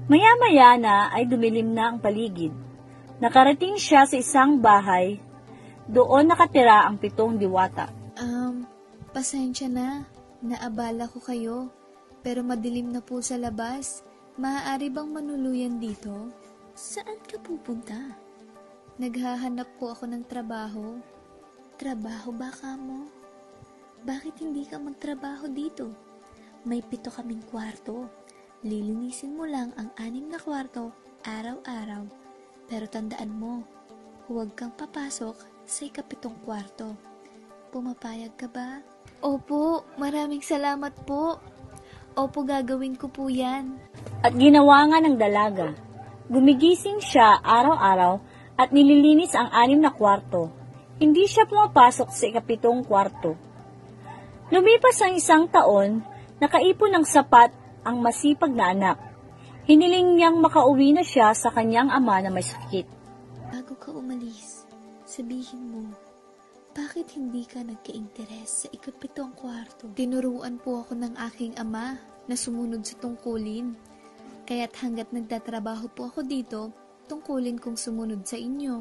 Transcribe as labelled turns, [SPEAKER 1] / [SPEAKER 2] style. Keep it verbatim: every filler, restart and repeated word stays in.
[SPEAKER 1] Maya-maya na ay dumilim na ang paligid. Nakarating siya sa isang bahay. Doon nakatira ang pitong diwata.
[SPEAKER 2] Um, pasensya na. Naabala ko kayo. Pero madilim na po sa labas. Maaari bang manuluyan dito? Saan ka pupunta? Naghahanap po ako ng trabaho. Trabaho ba ka mo? Bakit hindi ka magtrabaho dito? May pito kaming kwarto. Lilinisin mo lang ang anim na kwarto araw-araw. Pero tandaan mo, huwag kang papasok sa ikapitong kwarto. Pumapayag ka ba? Opo, maraming salamat po. Opo, gagawin ko po yan.
[SPEAKER 1] At ginawa nga ng dalaga. Gumigising siya araw-araw at nililinis ang anim na kwarto. Hindi siya pumapasok sa ikapitong kwarto. Lumipas ang isang taon, nakaipon ng sapat ang masipag na anak. Hiniling niyang makauwi na siya sa kanyang ama na may sakit.
[SPEAKER 2] Bago ka umalis, sabihin mo, bakit hindi ka nagka-interes sa ikapitong kwarto? Tinuruan po ako ng aking ama na sumunod sa tungkulin. Kaya't hanggat nagtatrabaho po ako dito, tungkulin kong sumunod sa inyo.